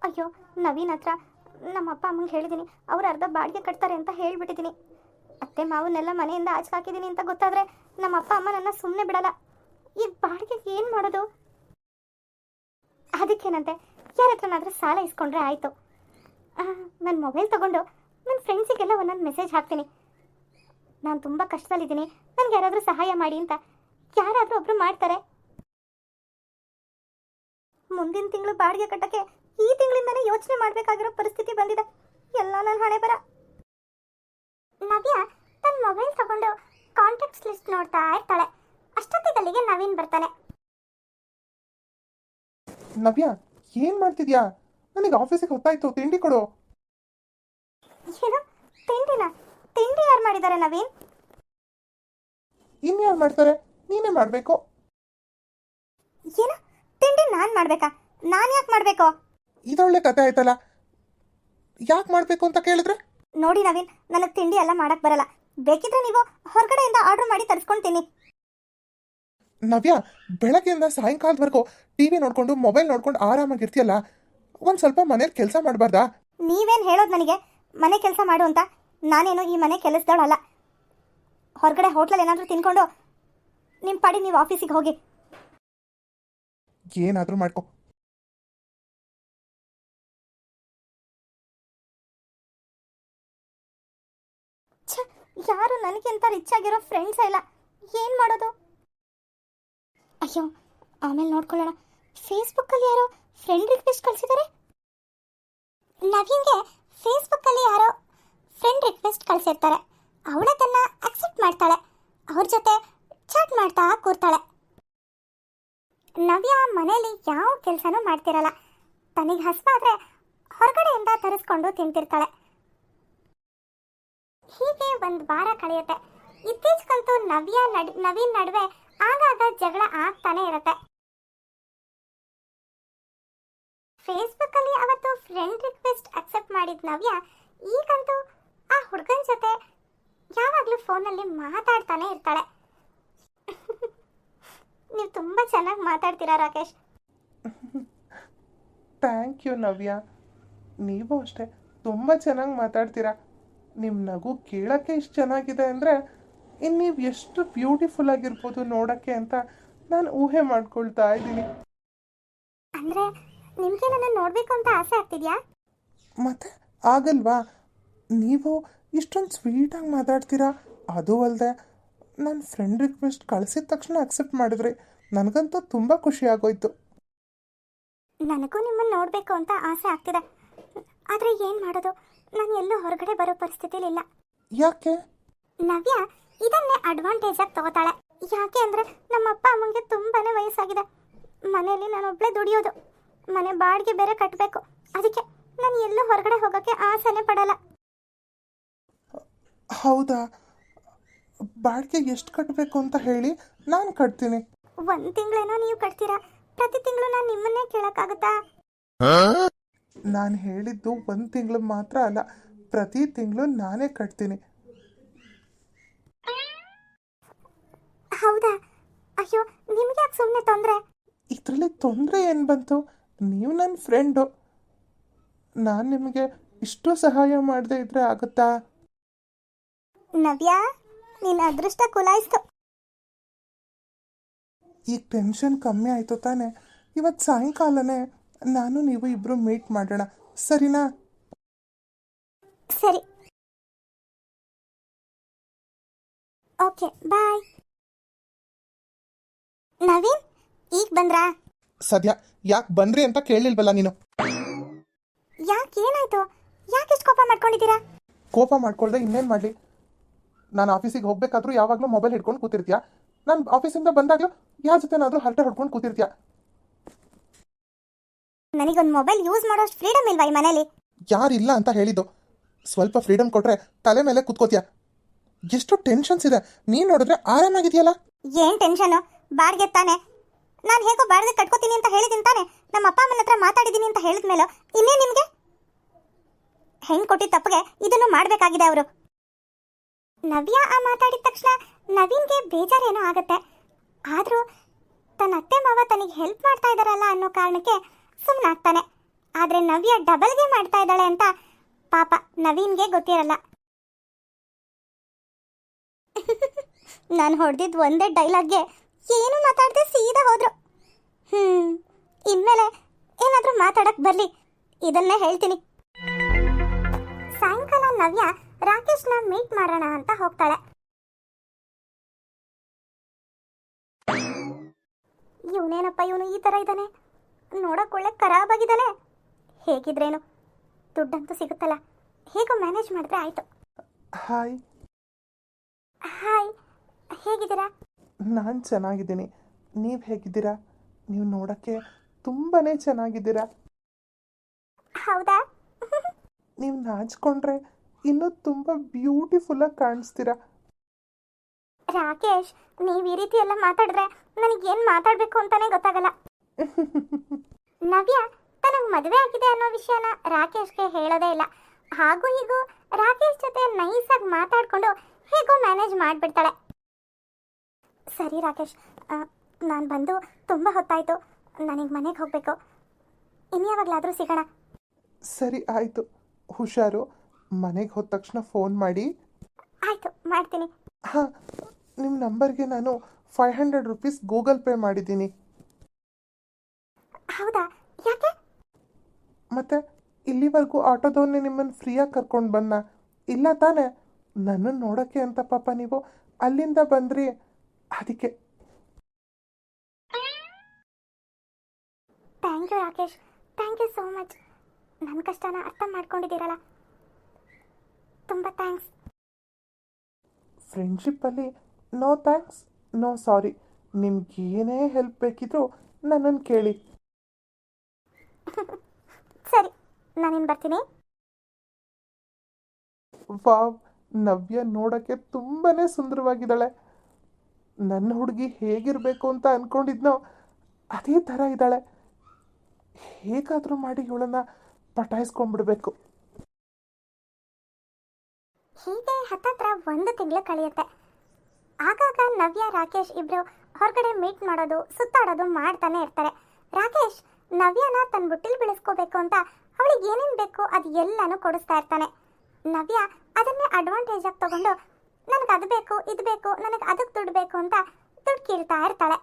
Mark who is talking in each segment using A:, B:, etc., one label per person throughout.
A: ಅಯ್ಯೋ, ನವೀನ್ ಹತ್ರ ನಮ್ಮ ಅಪ್ಪ ಅಮ್ಮಂಗೆ ಹೇಳಿದ್ದೀನಿ, ಅವ್ರು ಅರ್ಧ ಬಾಡಿಗೆ ಕಟ್ತಾರೆ ಅಂತ ಹೇಳಿಬಿಟ್ಟಿದ್ದೀನಿ. ಅತ್ತೆ ಮಾವನ್ನೆಲ್ಲ ಮನೆಯಿಂದ ಆಚೆ ಹಾಕಿದ್ದೀನಿ ಅಂತ ಗೊತ್ತಾದರೆ ನಮ್ಮ ಅಪ್ಪ ಅಮ್ಮ ನನ್ನ ಸುಮ್ಮನೆ ಬಿಡಲ್ಲ. ಈ ಬಾಡಿಗೆಗೆ ಏನು ಮಾಡೋದು? ಅದಕ್ಕೇನಂತೆ, ಯಾರ ಹತ್ರನಾದರೂ ಸಾಲ ಇಸ್ಕೊಂಡ್ರೆ ಆಯಿತು. ನನ್ನ ಮೊಬೈಲ್ ತೊಗೊಂಡು ನನ್ನ ಫ್ರೆಂಡ್ಸಿಗೆಲ್ಲ ಒಂದೊಂದು ಮೆಸೇಜ್ ಹಾಕ್ತೀನಿ, ನಾನು ತುಂಬ ಕಷ್ಟದಲ್ಲಿದ್ದೀನಿ, ನನಗೆ ಯಾರಾದರೂ ಸಹಾಯ ಮಾಡಿ ಅಂತ. ಯಾರಾದರೂ ಒಬ್ಬರು ಮಾಡ್ತಾರೆ. ಮುಂದಿನ ತಿಂಗಳು ಬಾಡಿಗೆ ಕಟ್ಟಕ್ಕೆ ಈ ತಿಂಗಳಿಂದನೇ ಯೋಚನೆ ಮಾಡಬೇಕಾಗಿರೋ ಪರಿಸ್ಥಿತಿ ಬಂದಿದೆ. ಎಲ್ಲ ನನ್ನ ಹಣೆ ಬರ. ನವ್ಯ ತನ್ನ ಮೊಬೈಲ್ ತಗೊಂಡು ಕಾಂಟ್ಯಾಕ್ಟ್ಸ್ ಲಿಸ್ಟ್ ನೋಡ್ತಾ ಇರ್ತಾಳೆ. ಅಷ್ಟೊತ್ತಿಗಲ್ಲಿಗೆ ನವೀನ್ ಬರ್ತಾನೆ.
B: ನವ್ಯ, ಏನ್ ಮಾಡ್ತಿದ್ಯಾ? ನನಗೆ ಆಫೀಸಿಗೆ ಹೊತ್ತಾಯ್ತು, ತಿಂಡಿ ಕೊಡು.
A: ಏನು ತಿಂಡಿನ? ತಿಂಡಿ ಯಾರು ಮಾಡಿದ್ದಾರೆ ನವೀನ್?
B: ಇನ್ಯಾರು ಮಾಡ್ತಾರೆ? ನೀನೇ ಮಾಡ್ಬೇಕು.
A: ಏನು ತಿಂಡಿ ನಾನು ಮಾಡ್ಬೇಕಾ? ನಾನು ಯಾಕೆ ಮಾಡಬೇಕು?
B: ಇದೊಳ್ಳೆ ಕತೆ ಆಯ್ತಲ್ಲ. ಯಾಕೆ ಮಾಡ್ಬೇಕು ಅಂತ ಕೇಳಿದ್ರೆ?
A: ನೋಡಿ ನವೀನ್, ನನಗೆ ತಿಂಡಿ ಎಲ್ಲ ಮಾಡಕ್ ಬರಲ್ಲ. ಬೇಕಿದ್ರೆ ನೀವು ಹೊರಗಡೆಯಿಂದ ಆರ್ಡರ್ ಮಾಡಿ ತರಿಸ್ಕೊಂತೀನಿ.
B: ನವ್ಯ, ಬೆಳಗ್ಗೆಯಿಂದ ಸಾಯಂಕಾಲದವರೆಗೂ ಟಿವಿ ನೋಡ್ಕೊಂಡು ಮೊಬೈಲ್ ನೋಡ್ಕೊಂಡು ಆರಾಮಾಗಿರ್ತೀಯಲ್ಲ, ಒಂದು ಸ್ವಲ್ಪ ಮನೇಲಿ ಕೆಲಸ ಮಾಡಬಾರ್ದಾ?
A: ನೀವೇನು ಹೇಳೋದು ನನಗೆ ಮನೆ ಕೆಲಸ ಮಾಡು ಅಂತ? ನಾನೇನು ಈ ಮನೆ ಕೆಲಸದವಳಲ್ಲ. ಹೊರಗಡೆ ಹೋಟ್ಲಲ್ಲಿ ಏನಾದರೂ ತಿನ್ಕೊಂಡು ನಿಮ್ಮ ಪಾಡಿ ನೀವು ಆಫೀಸಿಗೆ ಹೋಗಿ.
B: ಏನಾದರೂ ಮಾಡ್ಕೊ.
A: ಯಾರು ನನಗಿಂತ ರಿಚ್ ಆಗಿರೋ ಫ್ರೆಂಡ್ಸ್ ಇಲ್ಲ. ಏನು ಮಾಡೋದು? ಅಯ್ಯೋ, ಆಮೇಲೆ ನೋಡ್ಕೊಳ್ಳೋಣ. ಫೇಸ್ಬುಕ್ಕಲ್ಲಿ ಯಾರೋ ಫ್ರೆಂಡ್ ರಿಕ್ವೆಸ್ಟ್ ಕಳಿಸಿದ್ದಾರೆ. ನವೀನ್ಗೆ ಫೇಸ್ಬುಕ್ಕಲ್ಲಿ ಯಾರೋ ಫ್ರೆಂಡ್ ರಿಕ್ವೆಸ್ಟ್ ಕಳಿಸಿರ್ತಾರೆ. ಅವಳದನ್ನ ಅಕ್ಸೆಪ್ಟ್ ಮಾಡ್ತಾಳೆ, ಅವ್ರ ಜೊತೆ ಚಾಟ್ ಮಾಡ್ತಾ ಕೂರ್ತಾಳೆ. ನವ್ಯ ಮನೇಲಿ ಯಾವ ಕೆಲಸನೂ ಮಾಡ್ತಿರಲ್ಲ. ತನಗೆ ಹಸ್ವಾದ್ರೆ ಹೊರಗಡೆಯಿಂದ ತರಿಸ್ಕೊಂಡು ತಿಂತಿರ್ತಾಳೆ. ಹೀಗೆ ಒಂದು ವಾರ ಕಳೆಯುತ್ತೆ. ಇತ್ತೀಚೆಗಂತೂ ನವೀನ್ ನಡುವೆ ಆಗಾಗ ಜಗಳ ಆಗ್ತಾನೆ ಇರುತ್ತೆ. ಫೇಸ್ಬುಕ್ ಅಲ್ಲಿ ಅವತ್ತು ಫ್ರೆಂಡ್ ರಿಕ್ವೆಸ್ಟ್ ಅಕ್ಸೆಪ್ಟ್ ಮಾಡಿದ ನವ್ಯ ಈಗಂತೂ ಆ ಹುಡುಗನ ಜೊತೆ ಯಾವಾಗಲೂ ಫೋನಲ್ಲಿ ಮಾತಾಡ್ತಾನೆ ಇರ್ತಾಳೆ. ನೀವು ತುಂಬ ಚೆನ್ನಾಗಿ ಮಾತಾಡ್ತೀರಾ ರಾಕೇಶ್.
B: ಥ್ಯಾಂಕ್ ಯು ನವ್ಯ, ನೀವು ಅಷ್ಟೇ ತುಂಬ ಚೆನ್ನಾಗಿ ಮಾತಾಡ್ತೀರಾ. ನಿಮ್ಮ ನಗು ಕೇಳೋಕ್ಕೆ ಇಷ್ಟು ಚೆನ್ನಾಗಿದೆ ಅಂದರೆ ಇನ್ನು ನೀವು ಎಷ್ಟು ಬ್ಯೂಟಿಫುಲ್ ಆಗಿರ್ಬೋದು ನೋಡೋಕ್ಕೆ ಅಂತ ನಾನು ಊಹೆ ಮಾಡ್ಕೊಳ್ತಾ ಇದ್ದೀನಿ.
A: ಅಂದರೆ ನಿಮಗೆ ನನ್ನ ನೋಡಬೇಕು ಅಂತ ಆಸೆ ಆಗ್ತಿದ್ಯಾ?
B: ಮತ್ತೆ ಆಗಲ್ವಾ? ನೀವು ಇಷ್ಟೊಂದು ಸ್ವೀಟಾಗಿ ಮಾತಾಡ್ತೀರಾ. ಅದು ಅಲ್ಲದೆ ನನ್ನ ಫ್ರೆಂಡ್ ರಿಕ್ವೆಸ್ಟ್ ಕಳಿಸಿದ ತಕ್ಷಣ ಅಕ್ಸೆಪ್ಟ್ ಮಾಡಿದ್ರಿ. ನನಗಂತೂ ತುಂಬ ಖುಷಿ ಆಗೋಯ್ತು.
A: ನನಗೂ ನಿಮ್ಮನ್ನು ನೋಡಬೇಕು ಅಂತ ಆಸೆ ಆಗ್ತಿದೆ. ಆದರೆ ಏನು ಮಾಡೋದು, ನಾನು ಎಲ್ಲೂ ಹೊರಗಡೆ ಬರೋ ಪರಿಸ್ಥಿತಿಲಿ ಇಲ್ಲ.
B: ಯಾಕೆ?
A: ನವ್ಯ ಇದನ್ನೇ ಅಡ್ವಾಂಟೇಜ್ ಆಗಿ ತಗೋತಾಳೆ. ಯಾಕೆ ಅಂದರೆ ನಮ್ಮ ಅಪ್ಪ ಅಮ್ಮಂಗೆ ತುಂಬಾ ವಯಸ್ಸಾಗಿದೆ. ಮನೆಯಲ್ಲಿ ನಾನೊಬ್ಬಳೇ ದುಡಿಯೋದು, ಮನೆ ಬಾಡಿಗೆ ಬೇರೆ ಕಟ್ಟಬೇಕು. ಅದಕ್ಕೆ ನಾನು ಎಲ್ಲೂ ಹೊರಗಡೆ ಹೋಗೋಕ್ಕೆ ಆಸೆನೇ ಪಡಲ್ಲ.
B: ಹೌದಾ? ಬಾಡಿಗೆ ಎಷ್ಟು ಕಟ್ಟಬೇಕು ಅಂತ ಹೇಳಿ, ನಾನು ಕಟ್ತೀನಿ.
A: 1 ತಿಂಗಳೇನೋ ನೀವು ಕಟ್ತೀರಾ, ಪ್ರತಿ ತಿಂಗಳು ನಾನು ನಿಮ್ಮನ್ನೇ ಕೇಳೋಕ್ಕಾಗುತ್ತಾ?
B: ನಾನು ಹೇಳಿದ್ದು 1 ತಿಂಗಳು ಮಾತ್ರ ಅಲ್ಲ, ಪ್ರತಿ ತಿಂಗಳು ನಾನೇ ಕಟ್ತೀನಿ.
A: ಹೌದಾ? ಅಯ್ಯೋ, ನಿಮ್ಗೆ ಯಾಕೆ ಸುಮ್ಮನೆ ತೊಂದರೆ?
B: ಇದರಲ್ಲಿ ತೊಂದರೆ ಏನು ಬಂತು? ನೀವು ನನ್ನ ಫ್ರೆಂಡು, ನಾನು ನಿಮಗೆ ಇಷ್ಟು ಸಹಾಯ ಮಾಡದೇ ಇದ್ರೆ ಆಗುತ್ತಾ?
A: ನವ್ಯ, ನಿನ್ನ ಅದೃಷ್ಟ ಕುಲಾಯಿಸ್ತು.
B: ಈಗ ಟೆನ್ಷನ್ ಕಮ್ಮಿ ಆಯಿತು ತಾನೆ? ಇವತ್ತು ಸಾಯಂಕಾಲನೇ ನಾನು ನೀವು ಇಬ್ಬರು ಮೀಟ್ ಮಾಡೋಣ, ಸರಿನಾ?
A: ಸರಿ, ಓಕೆ, ಬಾಯ್. ನವೀನ್ ಈಗ ಬಂದ್ರಾ?
B: ಸದ್ಯ ಯಾಕೆ ಬಂದ್ರಿ ಅಂತ ಕೇಳಿಲ್ವಲ್ಲ ನೀನು?
A: ಯಾಕೆ, ಏನಾಯ್ತು? ಯಾಕೆ ಇಷ್ಟು ಕೋಪ ಮಾಡ್ಕೊಂಡಿದ್ದೀರಾ?
B: ಕೋಪ ಮಾಡ್ಕೊಳ್ದೆ ಇನ್ನೇನು ಮಾಡಲಿ? ನಾನು ಆಫೀಸಿಗೆ ಹೋಗ್ಬೇಕಾದ್ರೂ ಯಾವಾಗಲೂ ಮೊಬೈಲ್ ಹಿಡ್ಕೊಂಡು ಕೂತಿರ್ತೀಯ. ನಾನು ಆಫೀಸಿಂದ ಬಂದಾಗಲೂ ಯಾರ ಜೊತೆನಾದರೂ ಹರಟೆ ಹೊಡ್ಕೊಂಡು ಕೂತಿರ್ತೀಯ.
A: ನನಗೊಂದು ಮೊಬೈಲ್ ಯೂಸ್ ಮಾಡೋಷ್ಟು ಫ್ರೀಡಮ್ ಇಲ್ವಾ ಈ ಮನೇಲಿ?
B: ಯಾರಿಲ್ಲ ಅಂತ ಹೇಳಿದ್ದು? ಸ್ವಲ್ಪ ಫ್ರೀಡಮ್ ಕೊಟ್ರೆ ತಲೆ ಮೇಲೆ ಕೂತ್ಕೋತೀಯ. ಎಷ್ಟು ಟೆನ್ಷನ್ಸ್ ಇದೆ, ನೀನು ನೋಡಿದ್ರೆ ಆರಾಮಾಗಿದೆಯಲ್ಲ.
A: ಏನು ಟೆನ್ಷನು? ಬಾಡಿಗೆ ತಾನೆ. ನಾನು ಹೇಗೋ ಬಾಡಿಗೆ ಕಟ್ಕೋತೀನಿ ಅಂತ ಹೇಳಿದ್ದೀನಿ ತಾನೆ. ನಮ್ಮ ಅಪ್ಪ ಅಮ್ಮನ ಹತ್ರ ಮಾತಾಡಿದ್ದೀನಿ ಅಂತ ಹೇಳಿದ್ಮೇಲೆ ಇನ್ನೇ ನಿಮಗೆ ಹೆಣ್ಣು ಕೊಟ್ಟಿದ್ದ ತಪ್ಪಿಗೆ ಇದನ್ನು ಮಾಡಬೇಕಾಗಿದೆ ಅವರು. ನವ್ಯ ಆ ಮಾತಾಡಿದ ತಕ್ಷಣ ನವೀನ್ಗೆ ಬೇಜಾರೇನೋ ಆಗುತ್ತೆ. ಆದರೂ ತನ್ನ ಅತ್ತೆ ಮಾವ ತನಗೆ ಹೆಲ್ಪ್ ಮಾಡ್ತಾ ಇದ್ದಾರಲ್ಲ ಅನ್ನೋ ಕಾರಣಕ್ಕೆ ಸುಮ್ಮನಾಗ್ತಾನೆ. ಆದ್ರೆ ನವ್ಯ ಡಬಲ್ಗೆ ಮಾಡ್ತಾ ಇದ್ದಾಳೆ ಅಂತ ಪಾಪ ನವೀನ್ಗೆ ಗೊತ್ತಿರಲ್ಲ. ನಾನು ಹೊಡೆದಿದ್ದು ಒಂದೇ ಡೈಲಾಗ್ಗೆ ಏನು ಮಾತಾಡದೆ ಸೀದಾ ಹೋದ್ರು. ಇನ್ಮೇಲೆ ಏನಾದರೂ ಮಾತಾಡಕ್ ಬರ್ಲಿ, ಇದನ್ನೇ ಹೇಳ್ತೀನಿ. ಸಾಯಂಕಾಲ ನವ್ಯ ರಾಕೇಶ್ನ ಮೀಟ್ ಮಾಡೋಣ ಅಂತ ಹೋಗ್ತಾಳೆ. ಇವನೇನಪ್ಪ ಇವನು ಈ ಥರ ಇದ್ದಾನೆ, ನೋಡಕ್ ಒಳ್ಳೆ ಖರಾಬಾಗಿದ್ದಾನೆ. ಹೇಗಿದ್ರೇನು, ದುಡ್ಡಂತೂ ಸಿಗುತ್ತಲ್ಲ, ಹೇಗೋ ಮ್ಯಾನೇಜ್ ಮಾಡಿದ್ರೆ ಆಯ್ತು.
B: ಹಾಯ್.
A: ಹಾಯ್, ಹೇಗಿದ್ದೀರಾ?
B: ನಾನು ಚೆನ್ನಾಗಿದ್ದೀನಿ. ನೀವು ಹೇಗಿದ್ದೀರಾ? ನೀವು ನೋಡೋಕ್ಕೆ ತುಂಬಾ ಚೆನ್ನಾಗಿದ್ದೀರಾ.
A: ಹೌದಾ?
B: ನೀವು ನಾಚ್ಕೊಂಡ್ರೆ ಇನ್ನೂ ತುಂಬ ಬ್ಯೂಟಿಫುಲ್ಲಾಗಿ ಕಾಣಿಸ್ತೀರಾ.
A: ರಾಕೇಶ್, ನೀವು ಈ ರೀತಿ ಎಲ್ಲ ಮಾತಾಡಿದ್ರೆ ನನಗೇನು ಮಾತಾಡಬೇಕು ಅಂತಾನೆ ಗೊತ್ತಾಗಲ್ಲ. ನವ್ಯ ತನಗೆ ಮದುವೆ ಆಗಿದೆ ಅನ್ನೋ ವಿಷಯನ ರಾಕೇಶ್ಗೆ ಹೇಳೋದೇ ಇಲ್ಲ. ಹಾಗೂ ಹೀಗೂ ರಾಕೇಶ್ ಜೊತೆ ನೈಸಾಗಿ ಮಾತಾಡಿಕೊಂಡು ಹೇಗೋ ಮ್ಯಾನೇಜ್ ಮಾಡಿಬಿಡ್ತಾಳೆ. ಸರಿ ರಾಕೇಶ್, ನಾನು ಬಂದು ತುಂಬ ಹೊತ್ತಾಯಿತು, ನನಗೆ ಮನೆಗೆ ಹೋಗಬೇಕು. ಇನ್ಯಾವಾಗಲಾದರೂ ಸಿಗೋಣ.
B: ಸರಿ, ಆಯಿತು. ಹುಷಾರು. ಮನೆಗೆ ಹೋದ ತಕ್ಷಣ ಫೋನ್ ಮಾಡಿ.
A: ಆಯಿತು, ಮಾಡ್ತೀನಿ.
B: ಹಾಂ, ನಿಮ್ಮ ನಂಬರ್ಗೆ ನಾನು 500 ರೂಪೀಸ್ ಗೂಗಲ್ ಪೇ ಮಾಡಿದ್ದೀನಿ.
A: ಹೌದಾ? ಯಾಕೆ?
B: ಮತ್ತೆ ಇಲ್ಲಿವರೆಗೂ ಆಟೋದವನ್ನೇ ನಿಮ್ಮನ್ನು ಫ್ರೀಯಾಗಿ ಕರ್ಕೊಂಡು ಬಂದ ಇಲ್ಲ ತಾನೇ? ನನ್ನನ್ನು ನೋಡೋಕ್ಕೆ ಅಂತ ಪಾಪ ನೀವು ಅಲ್ಲಿಂದ ಬಂದ್ರಿ, ಅದಕ್ಕೆ.
A: Thank you Rakesh, thank you so much. ನನ್ನ ಕಷ್ಟನ ಅರ್ಥ ಮಾಡ್ಕೊಂಡಿದ್ದೀರಲ್ಲ, ತುಂಬ ಥ್ಯಾಂಕ್ಸ್.
B: ಫ್ರೆಂಡ್ಶಿಪ್ಪಲ್ಲಿ ನೋ ಥ್ಯಾಂಕ್ಸ್, ನೋ ಸಾರಿ. ನಿಮ್ಗೆ ಏನೇ ಹೆಲ್ಪ್ ಬೇಕಿದ್ರೂ ನನ್ನನ್ನು ಕೇಳಿ.
A: ಸರಿ, ನಾನಿನ್ನು ಬರ್ತೀನಿ.
B: ವಾವ್, ನವ್ಯ ನೋಡೋಕ್ಕೆ ತುಂಬಾ ಸುಂದರವಾಗಿದ್ದಾಳೆ. ನನ್ನ ಹುಡುಗಿ ಹೇಗಿರಬೇಕು ಅಂತ ಅಂದ್ಕೊಂಡಿದ್ನೋ ಅದೇ ಥರ ಇದ್ದಾಳೆ. ಹೇಗಾದರೂ ಮಾಡಿ ಇವಳನ್ನು ಪಟಾಯಿಸ್ಕೊಂಡ್ಬಿಡ್ಬೇಕು.
A: ಹೀಗೆ ಹತ್ತತ್ರ 1 ತಿಂಗಳು ಕಳೆಯುತ್ತೆ. ಆಗಾಗ ನವ್ಯ ರಾಕೇಶ್ ಇಬ್ರು ಹೊರಗಡೆ ಮೀಟ್ ಮಾಡೋದು, ಸುತ್ತಾಡೋದು ಮಾಡ್ತಾನೆ ಇರ್ತಾರೆ. ರಾಕೇಶ್ ನವ್ಯನ ತನ್ನ ಬುಟ್ಟಿಲ್ ಬೆಳೆಸ್ಕೋಬೇಕು ಅಂತ ಅವಳಿಗೆ ಏನೇನು ಬೇಕು ಅದು ಎಲ್ಲನೂ ಕೊಡಿಸ್ತಾ ಇರ್ತಾನೆ. ನವ್ಯ ಅದನ್ನೇ ಅಡ್ವಾಂಟೇಜ್ ಆಗಿ ತಗೊಂಡು ನನಗೆ ಅದು ಬೇಕು, ಇದು ಬೇಕು, ನನಗೆ ಅದಕ್ಕೆ ದುಡ್ಡು ಬೇಕು ಅಂತ ದುಡ್ಡು ಕೀಳ್ತಾ ಇರ್ತಾಳೆ.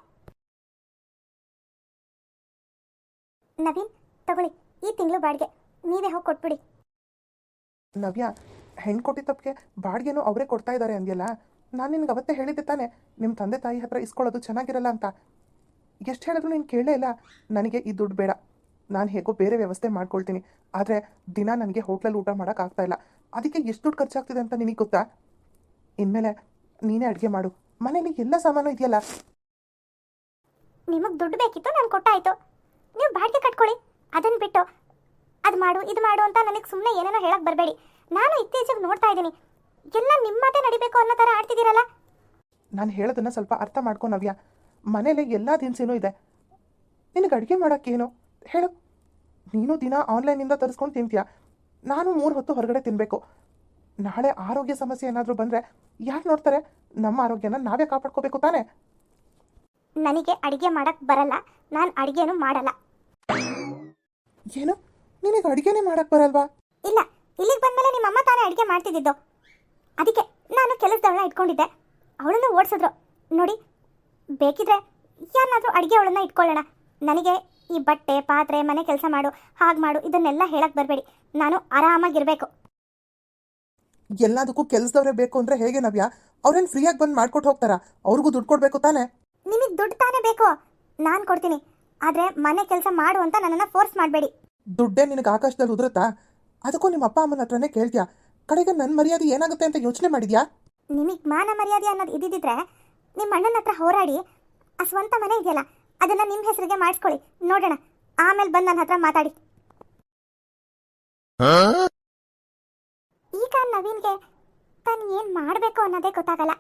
A: ನವೀನ್, ತಗೊಳ್ಳಿ ಈ ತಿಂಗಳು ಬಾಡಿಗೆ, ನೀವೇ ಹೋಗಿ ಕೊಟ್ಬಿಡಿ.
B: ನವ್ಯ, ಹೆಣ್ಣು ಕೊಟ್ಟಿದ್ದ ತಪ್ಪಿಗೆ ಬಾಡಿಗೆನೂ ಅವರೇ ಕೊಡ್ತಾ ಇದ್ದಾರೆ ಅಂದ್ಯಲ್ಲ. ನಾನು ನಿನಗೆ ಅವತ್ತೇ ಹೇಳಿದ್ದೆ ತಾನೆ, ನಿಮ್ಮ ತಂದೆ ತಾಯಿ ಹತ್ರ ಇಸ್ಕೊಳ್ಳೋದು ಚೆನ್ನಾಗಿರಲ್ಲ ಅಂತ. ಎಷ್ಟು ಹೇಳಿದ್ರು ನೀನು ಕೇಳೇ ಇಲ್ಲ. ನನಗೆ ಈ ದುಡ್ಡು ಬೇಡ, ನಾನು ಹೇಗೋ ಬೇರೆ ವ್ಯವಸ್ಥೆ ಮಾಡ್ಕೊಳ್ತೀನಿ. ಆದರೆ ದಿನ ನನಗೆ ಹೋಟ್ಲಲ್ಲಿ ಊಟ ಮಾಡೋಕ್ಕಾಗ್ತಾ ಇಲ್ಲ. ಅದಕ್ಕೆ ಎಷ್ಟು ದುಡ್ಡು ಖರ್ಚಾಗ್ತಿದೆ ಅಂತ ನಿನಗೆ ಗೊತ್ತಾ? ಇನ್ಮೇಲೆ ನೀನೇ ಅಡುಗೆ ಮಾಡು, ಮನೇಲಿ ಎಲ್ಲ ಸಾಮಾನು ಇದೆಯಲ್ಲ.
A: ನಿಮಗೆ ದುಡ್ಡು ಬೇಕಿತ್ತು, ನಾನು ಕೊಟ್ಟಾಯ್ತು. ನೀವು ಬಾಡಿಗೆ ಕಟ್ಕೊಳ್ಳಿ. ಅದನ್ನು ಬಿಟ್ಟು ಅದು ಮಾಡು, ಇದು ಮಾಡು ಅಂತ ನನಗೆ ಸುಮ್ಮನೆ ಏನೇನೋ ಹೇಳಕ್ಕೆ ಬರಬೇಡಿ. ನಾನು ಇತ್ತೀಚೆಗೆ ನೋಡ್ತಾ ಇದ್ದೀನಿ, ಎಲ್ಲ ನಿಮ್ಮ ಮಾತೇ ನಡಿಬೇಕು ಅನ್ನೋ ಥರ ಆಡ್ತಿದ್ದೀರಲ್ಲ.
B: ನಾನು ಹೇಳೋದನ್ನು ಸ್ವಲ್ಪ ಅರ್ಥ ಮಾಡ್ಕೊ ನವ್ಯ. ಮನೇಲಿ ಎಲ್ಲ ದಿನಸಿನೂ ಇದೆ, ನಿನಗೆ ಅಡುಗೆ ಮಾಡೋಕ್ಕೇನು ಹೇಳು? ನೀನು ದಿನ ಆನ್ಲೈನಿಂದ ತರಿಸ್ಕೊಂಡು ತಿಂತೀಯ, ನಾನು 3 ಹೊತ್ತು ಹೊರಗಡೆ ತಿನ್ನಬೇಕು. ನಾಳೆ ಆರೋಗ್ಯ ಸಮಸ್ಯೆ ಏನಾದರೂ ಬಂದರೆ ಯಾರು ನೋಡ್ತಾರೆ? ನಮ್ಮ ಆರೋಗ್ಯನ ನಾವೇ ಕಾಪಾಡ್ಕೋಬೇಕು ತಾನೇ?
A: ನನಗೆ ಅಡುಗೆ ಮಾಡಕ್ಕೆ ಬರಲ್ಲ, ನಾನು ಅಡುಗೆನೂ ಮಾಡಲ್ಲ.
B: ಏನು, ನಿನಗೆ ಅಡುಗೆನೇ ಮಾಡಕ್ಕೆ ಬರಲ್ವಾ?
A: ಇಲ್ಲ, ಇಲ್ಲಿಗೆ ಬಂದಮೇಲೆ ನಿಮ್ಮ ಅಮ್ಮ ತಾನೇ ಅಡುಗೆ ಮಾಡ್ತಿದ್ದಿದ್ದು. ಅದಕ್ಕೆ ನಾನು ಕೆಲಸದವಳನ್ನ ಇಟ್ಕೊಂಡಿದ್ದೆ, ಅವಳನ್ನು ಓಡಿಸಿದ್ರು. ನೋಡಿ, ಬೇಕಿದ್ರೆ ಯಾರನ್ನಾದರೂ ಅಡುಗೆ ಅವಳನ್ನ ಇಟ್ಕೊಳ್ಳೋಣ. ನನಗೆ ಈ ಬಟ್ಟೆ ಪಾತ್ರೆ ಮನೆ ಕೆಲಸ ಮಾಡು, ಹಾಗೆ ಮಾಡು ಇದನ್ನೆಲ್ಲ ಹೇಳಕ್ಕೆ ಬರಬೇಡಿ. ನಾನು ಆರಾಮಾಗಿರಬೇಕು.
B: ಎಲ್ಲದಕ್ಕೂ ಕೆಲಸದವರೇ ಬೇಕು ಅಂದರೆ ಹೇಗೆ ನವ್ಯ? ಅವ್ರೇನು ಫ್ರೀಯಾಗಿ ಬಂದು ಮಾಡ್ಕೊಟ್ಟು ಹೋಗ್ತಾರಾ? ಅವ್ರಿಗೂ ದುಡ್ಡು ಕೊಡಬೇಕು ತಾನೇ?
A: ನಿಮಗೆ ದುಡ್ಡು ತಾನೇ ಬೇಕು, ನಾನು ಕೊಡ್ತೀನಿ. ಆದರೆ ಮನೆ ಕೆಲಸ ಮಾಡು ಅಂತ ನನ್ನನ್ನು ಫೋರ್ಸ್ ಮಾಡಬೇಡಿ.
B: ದುಡ್ಡೇ ನಿನಗೆ ಆಕಾಶದಲ್ಲಿ ಉದುರುತ್ತಾ? ಅದಕ್ಕೂ ನಿಮ್ಮ ಅಪ್ಪ ಅಮ್ಮನ ಹತ್ರನೇ ಕೇಳ್ತೀಯಾ? ಕಡೆಗೆ ನನ್ನ ಮರ್ಯಾದೆ ಏನಾಗುತ್ತೆ ಅಂತ ಯೋಚನೆ ಮಾಡಿದ್ಯಾ?
A: ನಿಮಗೆ ಮಾನ ಮರ್ಯಾದೆ ಅನ್ನೋದು ಇದ್ದಿದ್ರೆ ನಿಮ್ಮ ಅಣ್ಣನ ಹತ್ರ ಹೋರಾಡಿ ಆ ಸ್ವಂತ ಮನೆ ಇದೆಯಲ್ಲ ಅದನ್ನು ನಿಮ್ಮ ಹೆಸರಿಗೆ ಮಾಡಿಸ್ಕೊಳ್ಳಿ, ನೋಡೋಣ. ಆಮೇಲೆ ಬಂದು ನನ್ನ ಹತ್ರ ಮಾತಾಡಿ. ಈಗ ನವೀನ್ಗೆ ತಾನು ಏನು ಮಾಡಬೇಕು ಅನ್ನೋದೇ ಗೊತ್ತಾಗಲ್ಲ.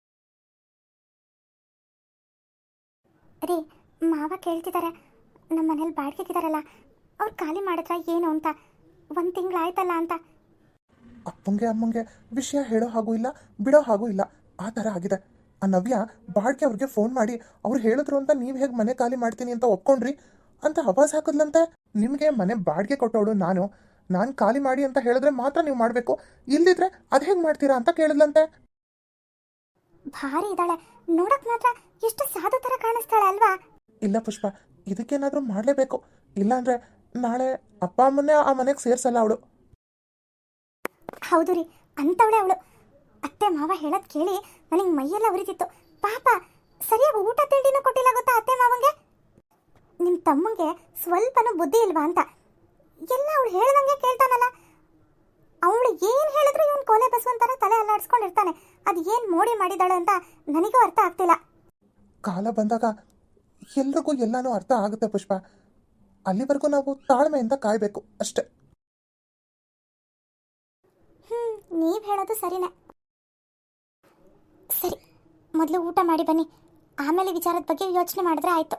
A: ರೀ, ಮಾವ ಕೇಳ್ತಿದ್ದಾರೆ, ನಮ್ಮ ಮನೇಲಿ ಬಾಡಿಗೆಗಿದಾರಲ್ಲ ಅವ್ರು ಖಾಲಿ ಮಾಡಿದ್ರ ಏನು ಅಂತ. 1 ತಿಂಗಳಾಯ್ತಲ್ಲ ಅಂತ.
B: ಅಪ್ಪಂಗೆ ಅಮ್ಮಂಗೆ ವಿಷಯ ಹೇಳೋ ಹಾಗೂ ಇಲ್ಲ, ಬಿಡೋ ಹಾಗೂ ಇಲ್ಲ, ಆ ಥರ ಆಗಿದೆ. ಆ ನವ್ಯ ಬಾಡ್ಗೆ ಅವ್ರಿಗೆ ಫೋನ್ ಮಾಡಿ ಅವ್ರು ಹೇಳಿದ್ರು ಅಂತ ನೀವು ಹೇಗೆ ಮನೆ ಖಾಲಿ ಮಾಡ್ತೀನಿ ಅಂತ ಒಪ್ಕೊಂಡ್ರಿ ಅಂತ ಆವಾಜ್ ಹಾಕಿದ್ಲಂತೆ. ನಿಮಗೆ ಮನೆ ಬಾಡಿಗೆ ಕೊಟ್ಟವಳು ನಾನು ಖಾಲಿ ಮಾಡಿ ಅಂತ ಹೇಳಿದ್ರೆ ಮಾತ್ರ ನೀವು ಮಾಡಬೇಕು, ಇಲ್ದಿದ್ರೆ ಅದು ಹೇಗೆ ಮಾಡ್ತೀರಾ ಅಂತ ಕೇಳಿದ್ಲಂತೆ.
A: ಭಾರಿ ಇದ್ದಾಳೆ, ನೋಡಕ್ ಮಾತ್ರ ಎಷ್ಟು ಸಾಧು ಥರ ಕಾಣಿಸ್ತಾಳೆ ಅಲ್ವಾ?
B: ಇಲ್ಲ ಪುಷ್ಪ, ಇದಕ್ಕೇನಾದರೂ ಮಾಡಲೇಬೇಕು, ಇಲ್ಲಾಂದರೆ ನಾಳೆ ಅಪ್ಪ ಅಮ್ಮನ್ನೇ ಆ ಮನೆಗೆ ಸೇರಿಸಲ್ಲ ಅವಳು.
A: ಹೌದು ರೀ, ಅಂಥವಳೆ ಅವಳು. ಅತ್ತೆ ಮಾವ ಹೇಳೋದು ಕೇಳಿ ನನಗೆ ಮೈಯೆಲ್ಲ ಉರಿತಿತ್ತು. ಪಾಪ ಸರಿಯಾಗಿ ಊಟ ತಿಂಡಿನೂ ಕೊಟ್ಟಿಲ್ಲ ಗೊತ್ತಾ ಅತ್ತೆ ಮಾವಂಗೆ. ನಿಮ್ಮ ತಮ್ಮಂಗೆ ಸ್ವಲ್ಪನೂ ಬುದ್ಧಿ ಇಲ್ವಾ ಅಂತ ಎಲ್ಲ ಅವಳು ಹೇಳ್ದಂಗೆ ಕೇಳ್ತಾನಲ್ಲ. ಅವಳು ಏನು ಹೇಳಿದ್ರು ಇವನು ಕೋಲೆ ಬಸವಂತರ ತಲೆ ಅಲ್ಲಾಡಿಸ್ಕೊಂಡಿರ್ತಾನೆ. ಅದು ಏನು ಮೋಡಿ ಮಾಡಿದಾಳೆ ಅಂತ ನನಗೂ ಅರ್ಥ ಆಗ್ತಿಲ್ಲ.
B: ಕಾಲ ಬಂದಾಗ ಎಲ್ರಿಗೂ ಎಲ್ಲನೂ ಅರ್ಥ ಆಗುತ್ತೆ ಪುಷ್ಪ, ಅಲ್ಲಿವರೆಗೂ ನಾವು ತಾಳ್ಮೆಯಿಂದ ಕಾಯಬೇಕು ಅಷ್ಟೆ.
A: ನೀವು ಹೇಳೋದು ಸರಿನೇ. ಸರಿ, ಮೊದಲು ಊಟ ಮಾಡಿ ಬನ್ನಿ, ಆಮೇಲೆ ವಿಚಾರದ ಬಗ್ಗೆ ಯೋಚನೆ ಮಾಡಿದ್ರೆ ಆಯ್ತು.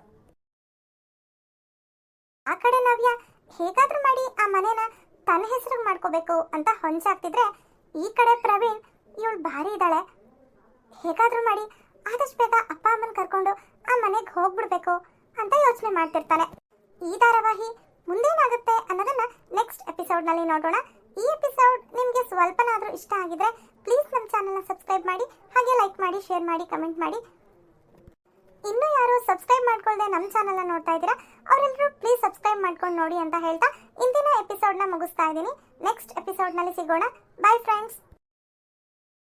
A: ಆ ಕಡೆ ನವ್ಯ ಹೇಗಾದ್ರೂ ಮಾಡಿ ಆ ಮನೇನ ತನ್ನ ಹೆಸರಿಗೆ ಮಾಡ್ಕೋಬೇಕು ಅಂತ ಹೊಂಚಾಗ್ತಿದ್ರೆ, ಈ ಕಡೆ ಪ್ರವೀಣ್ ಇವಳು ಭಾರಿ ಇದ್ದಾಳೆ, ಹೇಗಾದ್ರೂ ಮಾಡಿ ಆದಷ್ಟು ಬೇಗ ಅಪ್ಪ ಅಮ್ಮನ ಕರ್ಕೊಂಡು ಆ ಮನೆಗೆ ಹೋಗ್ಬಿಡ್ಬೇಕು ಅಂತ ಯೋಚನೆ ಮಾಡ್ತಿರ್ತಾನೆ. ಈ ಧಾರಾವಾಹಿ ಮುಂದೇನಾಗುತ್ತೆ ಅನ್ನೋದನ್ನ ನೆಕ್ಸ್ಟ್ ಎಪಿಸೋಡ್ನಲ್ಲಿ ನೋಡೋಣ. ಈ ಎಪಿಸೋಡ್ ನಿಮಗೆ ಸ್ವಲ್ಪನಾದರೂ ಇಷ್ಟ ಆಗಿದ್ರೆ ಪ್ಲೀಸ್ ನಮ್ಮ ಚಾನಲ್ನ ಸಬ್ಸ್ಕ್ರೈಬ್ ಮಾಡಿ, ಹಾಗೆ ಲೈಕ್ ಮಾಡಿ, ಶೇರ್ ಮಾಡಿ, ಕಮೆಂಟ್ ಮಾಡಿ. ಇನ್ನೂ ಯಾರು ಸಬ್ಸ್ಕ್ರೈಬ್ ಮಾಡ್ಕೊಳ್ಳದೆ ನಮ್ಮ ಚಾನಲ್ನ ನೋಡ್ತಾ ಇದ್ದೀರಾ ಅವರೆಲ್ಲರೂ ಪ್ಲೀಸ್ ಸಬ್ಸ್ಕ್ರೈಬ್ ಮಾಡ್ಕೊಂಡು ನೋಡಿ ಅಂತ ಹೇಳ್ತಾ ಇಂದಿನ ಎಪಿಸೋಡ್ನ ಮುಗಿಸ್ತಾ ಇದ್ದೀನಿ. ನೆಕ್ಸ್ಟ್ ಎಪಿಸೋಡ್ನಲ್ಲಿ ಸಿಗೋಣ. Bye friends.